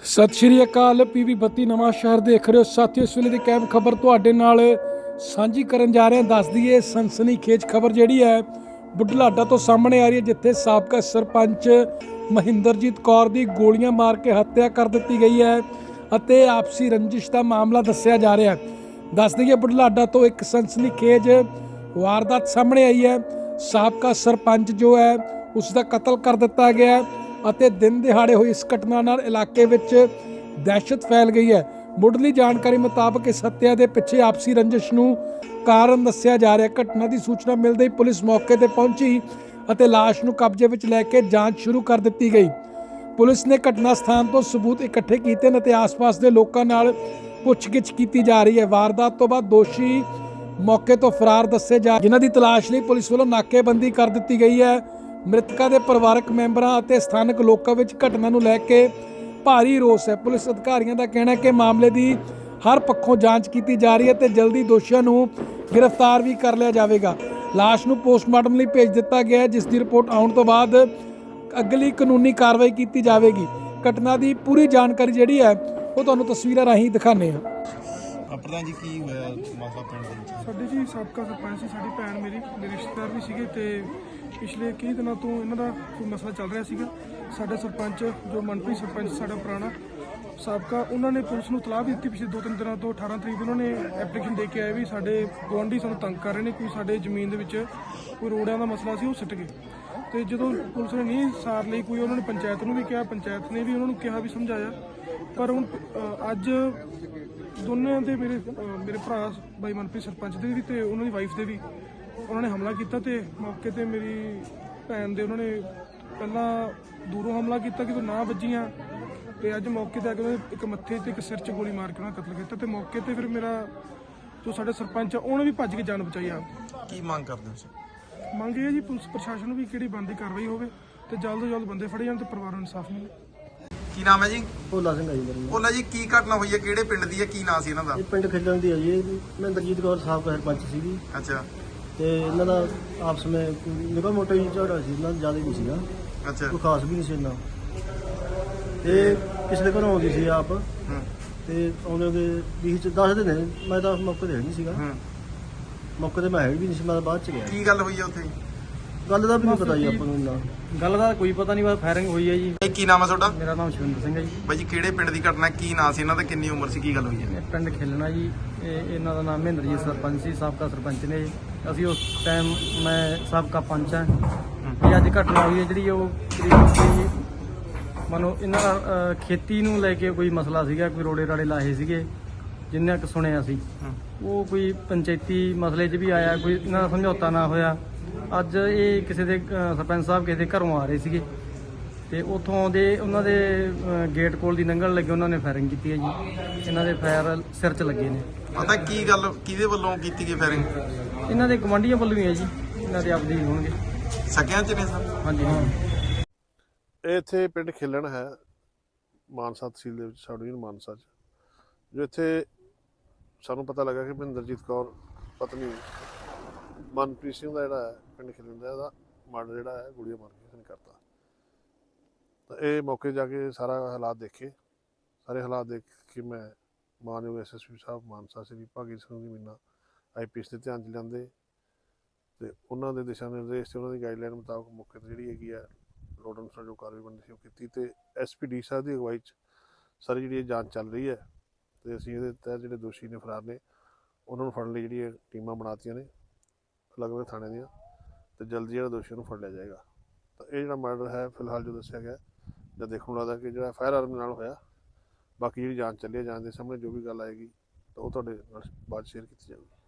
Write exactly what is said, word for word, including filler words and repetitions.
सत श्री अकाल। पीवी बत्ती नवां शहर देख रहे हो साथियों। इस वेले की कैब खबर तुहाडे नाल सांझी करन जा रहे हैं। दस दईए सनसनीखेज खबर जिहड़ी है बुढलाडा तो सामने आ रही है, जिथे साबका सरपंच महिंदरजीत कौर दी गोलियां मार के हत्या कर दी गई है ਅਤੇ आपसी रंजिश का मामला दस्सिया जा रहा है। दस दईए बुढलाडा तो एक सनसनीखेज वारदात सामने आई है। साबका सरपंच जो है उसका कतल कर दिता गया है ਅਤੇ दिन ਦਿਹਾੜੇ ਹੋਈ इस घटना ਨਾਲ इलाके ਵਿੱਚ दहशत फैल गई है। ਮੁੱਢਲੀ ਜਾਣਕਾਰੀ ਮੁਤਾਬਕ ਇਸ ਹੱਤਿਆ ਦੇ ਪਿੱਛੇ ਆਪਸੀ ਰੰਜਿਸ਼ ਨੂੰ ਕਾਰਨ ਦੱਸਿਆ ਜਾ ਰਿਹਾ ਹੈ। ਘਟਨਾ ਦੀ ਸੂਚਨਾ ਮਿਲਦੇ ਹੀ ਪੁਲਿਸ ਮੌਕੇ ਤੇ ਪਹੁੰਚੀ ਅਤੇ ਲਾਸ਼ ਨੂੰ ਕਬਜ਼ੇ ਵਿੱਚ ਲੈ ਕੇ ਜਾਂਚ ਸ਼ੁਰੂ ਕਰ ਦਿੱਤੀ ਗਈ। ਪੁਲਿਸ ਨੇ ਘਟਨਾ ਸਥਾਨ ਤੋਂ ਸਬੂਤ ਇਕੱਠੇ ਕੀਤੇ ਨੇ ਤੇ ਆਸ-ਪਾਸ ਦੇ ਲੋਕਾਂ ਨਾਲ ਪੁੱਛਗਿੱਛ ਕੀਤੀ ਜਾ ਰਹੀ ਹੈ। ਵਾਰਦਾਤ ਤੋਂ ਬਾਅਦ ਦੋਸ਼ੀ ਮੌਕੇ ਤੋਂ ਫਰਾਰ ਦੱਸੇ ਜਾ ਜਿਨ੍ਹਾਂ ਦੀ ਤਲਾਸ਼ ਲਈ ਪੁਲਿਸ ਵੱਲੋਂ ਨਾਕੇਬੰਦੀ ਕਰ ਦਿੱਤੀ ਗਈ ਹੈ। ਮ੍ਰਿਤਕਾਂ ਦੇ ਪਰਿਵਾਰਕ ਮੈਂਬਰਾਂ ਅਤੇ ਸਥਾਨਕ ਲੋਕਾਂ ਵਿੱਚ ਘਟਨਾ ਨੂੰ ਲੈ ਕੇ ਭਾਰੀ ਰੋਸ ਹੈ। ਪੁਲਿਸ ਅਧਿਕਾਰੀਆਂ ਦਾ ਕਹਿਣਾ ਹੈ ਕਿ ਮਾਮਲੇ ਦੀ ਹਰ ਪੱਖੋਂ ਜਾਂਚ ਕੀਤੀ ਜਾ ਰਹੀ ਹੈ ਤੇ ਜਲਦੀ ਦੋਸ਼ੀਆਂ ਨੂੰ ਗ੍ਰਿਫਤਾਰ ਵੀ ਕਰ ਲਿਆ ਜਾਵੇਗਾ। ਲਾਸ਼ ਨੂੰ ਪੋਸਟਮਾਰਟਮ ਲਈ ਭੇਜ ਦਿੱਤਾ ਗਿਆ ਹੈ, ਜਿਸ ਦੀ ਰਿਪੋਰਟ ਆਉਣ ਤੋਂ ਬਾਅਦ ਅਗਲੀ ਕਾਨੂੰਨੀ ਕਾਰਵਾਈ ਕੀਤੀ ਜਾਵੇਗੀ। ਘਟਨਾ ਦੀ ਪੂਰੀ ਜਾਣਕਾਰੀ ਜਿਹੜੀ ਹੈ ਉਹ ਤੁਹਾਨੂੰ ਤਸਵੀਰਾਂ ਰਾਹੀਂ ਦਿਖਾਉਂਦੇ ਹਾਂ। ਪ੍ਰਧਾਨ ਜੀ ਕੀ ਹੋਇਆ ਮਸਲਾ ਪਿੰਡ ਦੇ ਵਿੱਚ? ਸਾਡੇ ਜੀ ਸਾਬਕਾ ਸਰਪੰਚ ਸੀ, ਸਾਡੀ ਭੈਣ ਮੇਰੀ ਮੇਰੇ ਰਿਸ਼ਤੇਦਾਰ ਵੀ ਸੀਗੇ ਤੇ ਪਿਛਲੇ ਕਈ ਦਿਨਾਂ ਤੋਂ ਇਹਨਾਂ ਦਾ ਕੋਈ ਮਸਲਾ ਚੱਲ ਰਿਹਾ ਸੀਗਾ। ਸਾਡਾ ਸਰਪੰਚ ਜੋ ਮਨਪ੍ਰੀਤ ਸਰਪੰਚ ਸਾਡਾ ਪੁਰਾਣਾ ਸਾਬਕਾ, ਉਹਨਾਂ ਨੇ ਪੁਲਿਸ ਨੂੰ ਤਲਾਹ ਦਿੱਤੀ ਪਿਛਲੇ ਦੋ ਤਿੰਨ ਦਿਨਾਂ ਤੋਂ। ਅਠਾਰਾਂ ਤਰੀਕ ਉਹਨਾਂ ਨੇ ਐਪਲੀਕੇਸ਼ਨ ਦੇ ਕੇ ਆਏ ਵੀ ਸਾਡੇ ਗੁਆਂਢੀ ਸਾਨੂੰ ਤੰਗ ਕਰ ਰਹੇ ਨੇ, ਕੋਈ ਸਾਡੇ ਜ਼ਮੀਨ ਦੇ ਵਿੱਚ ਕੋਈ ਰੋੜਿਆਂ ਦਾ ਮਸਲਾ ਸੀ ਉਹ ਸਿੱਟ ਗਏ। ਤੇ ਜਦੋਂ ਪੁਲਿਸ ਨੇ ਨਹੀਂ ਸਾਰ ਲਈ ਕੋਈ, ਉਹਨਾਂ ਨੇ ਪੰਚਾਇਤ ਨੂੰ ਵੀ ਕਿਹਾ, ਪੰਚਾਇਤ ਨੇ ਵੀ ਉਹਨਾਂ ਨੂੰ ਕਿਹਾ ਵੀ ਸਮਝਾਇਆ। ਪਰ ਹੁਣ ਅੱਜ ਦੋਨਾਂ ਦੇ ਮੇਰੇ ਮੇਰੇ ਭਰਾ ਬਾਈ ਮਨਪ੍ਰੀਤ ਸਰਪੰਚ ਦੇ ਵੀ ਤੇ ਉਹਨਾਂ ਦੀ ਵਾਈਫ ਦੇ ਵੀ ਉਹਨਾਂ ਨੇ ਹਮਲਾ ਕੀਤਾ ਤੇ ਮੌਕੇ ਤੇ ਮੇਰੀ ਭੈਣ ਦੇ ਉਹਨਾਂ ਨੇ ਪਹਿਲਾਂ ਦੂਰੋਂ ਹਮਲਾ ਕੀਤਾ ਕਿ ਤੂੰ ਨਾ ਵੱਜੀਆਂ ਤੇ ਅੱਜ ਮੌਕੇ ਤੇ ਆ ਕੇ ਉਹਨਾਂ ਇੱਕ ਮੱਥੇ ਤੇ ਇੱਕ ਸਿਰ 'ਚ ਗੋਲੀ ਮਾਰ ਕੇ ਉਹਨਾਂ ਕਤਲ ਕੀਤਾ। ਤੇ ਮੌਕੇ ਤੇ ਫਿਰ ਮੇਰਾ ਜੋ ਸਾਡਾ ਸਰਪੰਚ ਆ ਉਹਨੇ ਵੀ ਭੱਜ ਕੇ ਜਾਨ ਬਚਾਈ ਆ। ਕੀ ਮੰਗ ਕਰਦੇ ਹੋ? ਮੰਗ ਇਹ ਜੀ ਪੁਲਿਸ ਪ੍ਰਸ਼ਾਸਨ ਨੂੰ ਵੀ ਕਿਹੜੀ ਬਣਦੀ ਕਾਰਵਾਈ ਹੋਵੇ ਤੇ ਜਲਦ ਤੋਂ ਜਲਦ ਬੰਦੇ ਫੜੇ ਜਾਣ ਤੇ ਪਰਿਵਾਰ ਨੂੰ ਇਨਸਾਫ ਮਿਲੇ। ਕੀ ਨਾਮ ਹੈ ਜੀ? ਭੋਲਾ ਸਿੰਘ ਆ ਜੀ ਮੇਰਾ ਨਾਮ। ਭੋਲਾ ਜੀ ਕੀ ਘਟਨਾ ਹੋਈ ਹੈ, ਕਿਹੜੇ ਪਿੰਡ ਦੀ ਹੈ, ਕੀ ਨਾਂ ਸੀ ਇਹਨਾਂ ਦਾ? ਇਹ ਪਿੰਡ ਖੇਡਣ ਦੀ ਹੈ ਜੀ। ਇਹ ਮਹਿੰਦਰਜੀਤ ਕੌਰ ਸਾਬਕਾ ਸਰਪੰਚ ਸੀਗੀ ਅੱਛਾ ਤੇ ਇਹਨਾਂ ਦਾ ਆਪਸ ਵਿੱਚ ਨਿਕਾ ਮੋਟਾ ਹੀ ਝਗੜਾ ਸੀ, ਇਹਨਾਂ ਦਾ ਜ਼ਿਆਦਾ ਨਹੀਂ ਸੀਗਾ, ਅੱਛਾ ਕੋਈ ਖਾਸ ਵੀ ਨਹੀਂ ਸੀ ਇੰਨਾ। ਤੇ ਕਿਸੇ ਦੇ ਘਰੋਂ ਆਉਂਦੀ ਸੀ ਆਪ ਹੂੰ ਤੇ ਆਉਂਦੇ ਦੇ ਵੀਹ ਚ ਦਸ ਦਿਨ ਮੈਂ ਤਾਂ ਮੌਕੇ ਤੇ ਹੈ ਨਹੀਂ ਸੀਗਾ। ਹੂੰ ਮੌਕੇ ਤੇ ਮੈਂ ਹੈ ਵੀ ਨਹੀਂ ਸੀ, ਮੈਂ ਤਾਂ ਬਾਅਦ ਚ ਗਿਆ। ਕੀ ਗੱਲ ਹੋਈ ਹੈ ਉੱਥੇ? ਗੱਲ ਦਾ ਵੀ ਨਹੀਂ ਪਤਾ ਜੀ ਆਪਾਂ ਨੂੰ ਇੰਨਾ। ਗੱਲ ਦਾ ਕੋਈ ਪਤਾ ਨਹੀਂ, ਬਸ ਫਾਇਰਿੰਗ ਹੋਈ ਹੈ ਜੀ। ਇਹ ਕੀ ਨਾਮ ਹੈ ਤੁਹਾਡਾ? ਮੇਰਾ ਨਾਮ ਸ਼ਵਿੰਦਰ ਸਿੰਘ ਹੈ ਜੀ। ਬਾਈ ਜੀ ਕਿਹੜੇ ਪਿੰਡ ਦੀ ਘਟਨਾ, ਕੀ ਨਾਂ ਸੀ ਇਹਨਾਂ ਦਾ, ਕਿੰਨੀ ਉਮਰ ਸੀ, ਕੀ ਗੱਲ ਹੋਈ ਹੈ? ਇਹ ਪਿੰਡ ਖੇਲਣਾ ਜੀ। ਇਹ ਇਹਨਾਂ ਦਾ ਨਾਮ ਮਹਿੰਦਰਜੀਤ ਸਰਪੰਚ ਸੀ, ਸਾਬਕਾ ਸਰਪੰਚ ਨੇ। ਅਸੀਂ ਉਸ ਟਾਈਮ ਮੈਂ ਸਾਬਕਾ ਪੰਚ ਹਾਂ। ਇਹ ਅੱਜ ਘਟਨਾ ਹੋਈ ਹੈ ਜਿਹੜੀ ਉਹ ਕਰੀਬ ਮਨੋ ਇਹਨਾਂ ਦਾ ਅ, ਖੇਤੀ ਨੂੰ ਲੈ ਕੇ ਕੋਈ ਮਸਲਾ ਸੀਗਾ, ਕੋਈ ਰੋੜੇ ਰਾੜੇ ਲਾਹੇ ਸੀਗੇ ਜਿੰਨਾ ਕੁ ਸੁਣਿਆ ਸੀ। ਉਹ ਕੋਈ ਪੰਚਾਇਤੀ ਮਸਲੇ 'ਚ ਵੀ ਆਇਆ, ਕੋਈ ਇਹਨਾਂ ਦਾ ਸਮਝੌਤਾ ਨਾ ਹੋਇਆ। ਅੱਜ ਇਹ ਕਿਸੇ ਦੇ ਅ, ਸਰਪੰਚ ਸਾਹਿਬ ਕਿਸੇ ਦੇ ਘਰੋਂ ਆ ਰਹੇ ਸੀਗੇ ਤੇ ਉੱਥੋਂ ਦੇ ਉਹਨਾਂ ਦੇ ਅ, ਗੇਟ ਕੋਲ ਦੀ ਲੰਘਣ ਲੱਗੇ ਉਹਨਾਂ ਨੇ ਫਾਇਰਿੰਗ ਕੀਤੀ ਹੈ ਜੀ। ਇਹਨਾਂ ਦੇ ਫਾਇਰ ਸਿਰ 'ਚ ਲੱਗੇ ਨੇ। ਪਤਾ ਕੀ ਗੱਲ ਕਿਹਦੇ ਵੱਲੋਂ ਕੀਤੀ ਗਈ ਫਾਇਰਿੰਗ? ਇਹਨਾਂ ਦੇ ਗਵਾਂਢੀਆਂ ਵੱਲੋਂ ਹੀ ਹੈ ਜੀ, ਇਹਨਾਂ ਦੇ ਆਪਦੇ ਹੀ ਹੋਣਗੇ। ਸਕਿਆਂ ਚ ਨੇ ਸਰ? ਹਾਂਜੀ ਹਾਂ। ਇਹ ਇੱਥੇ ਪਿੰਡ ਖੇਲਣ ਹੈ, ਮਾਨਸਾ ਤਹਿਸੀਲ ਦੇ ਵਿੱਚ, ਸਾਡੀ ਯੂਨੀਅਨ ਮਾਨਸਾ 'ਚ। ਜੋ ਇੱਥੇ ਸਾਨੂੰ ਪਤਾ ਲੱਗਾ ਕਿ ਮਹਿੰਦਰਜੀਤ ਕੌਰ ਪਤਨੀ ਮਨਪ੍ਰੀਤ ਸਿੰਘ ਦਾ ਜਿਹੜਾ ਹੈ ਪਿੰਡ ਖੇਲਣ ਦਾ, ਇਹਦਾ ਮਰਡਰ ਜਿਹੜਾ ਹੈ ਗੋਲੀਆਂ ਮਾਰ ਕੇ ਇਸਨੇ ਕਰਤਾ। ਤਾਂ ਇਹ ਮੌਕੇ ਜਾ ਕੇ ਸਾਰਾ ਹਾਲਾਤ ਦੇਖੇ। ਸਾਰੇ ਹਾਲਾਤ ਦੇਖ ਕੇ ਮੈਂ ਮਾਨਯੋਗ ਐਸ ਐਸ ਪੀ ਸਾਹਿਬ ਮਾਨਸਾ ਸ਼੍ਰੀ ਭਾਗੀ ਸਿੰਘ ਜੀ ਮੀਨਾ ਆਈ ਪੀ ਐਸ ਦੇ ਧਿਆਨ 'ਚ ਲਿਆਂਦੇ ਤੇ ਉਹਨਾਂ ਦੇ ਦਿਸ਼ਾ ਨਿਰਦੇਸ਼ ਤੇ ਉਹਨਾਂ ਦੀ ਗਾਈਡਲਾਈਨ ਮੁਤਾਬਕ ਮੌਕੇ 'ਤੇ ਜਿਹੜੀ ਹੈਗੀ ਹੈ ਲੋੜ ਅਨੁਸਾਰ ਜੋ ਕਾਰਵਾਈ ਬਣਦੀ ਸੀ ਉਹ ਕੀਤੀ ਤੇ ਐਸ ਪੀ ਡੀ ਸਾਹਿਬ ਦੀ ਅਗਵਾਈ 'ਚ ਸਾਰੀ ਜਿਹੜੀ ਇਹ ਜਾਂਚ ਚੱਲ ਰਹੀ ਹੈ ਤੇ ਅਸੀਂ ਇਹਦੇ ਤਹਿਤ ਜਿਹੜੇ ਦੋਸ਼ੀ ਨੇ ਫਰਾਰ ਨੇ ਉਹਨਾਂ ਨੂੰ ਫੜਨ ਲਈ ਜਿਹੜੀਆਂ ਟੀਮਾਂ ਬਣਾਤੀਆਂ ਨੇ ਅਲੱਗ-ਅਲੱਗ ਥਾਣੇ ਦੀਆਂ ਤੇ ਜਲਦੀ ਜਿਹੜਾ ਦੋਸ਼ੀਆਂ ਨੂੰ ਫੜ ਲਿਆ ਜਾਏਗਾ। ਤਾਂ ਇਹ ਜਿਹੜਾ ਮਰਡਰ ਹੈ ਫਿਲਹਾਲ ਜੋ ਦੱਸਿਆ ਗਿਆ ਜਾਂ ਦੇਖਣ ਨੂੰ ਲੱਗਦਾ ਕਿ ਜਿਹੜਾ ਫਾਇਰ ਆਰਮ ਨਾਲ ਹੋਇਆ। ਬਾਕੀ ਜਿਹੜੀ ਜਾਂਚ ਚੱਲੀ ਹੈ, ਜਾਂਚ ਦੇ ਸਾਹਮਣੇ ਜੋ ਵੀ ਗੱਲ ਆਏਗੀ ਤਾਂ ਉਹ ਤੁਹਾਡੇ ਨਾਲ ਬਾਅਦ ਸ਼ੇਅਰ ਕੀਤੀ ਜਾਵੇਗੀ।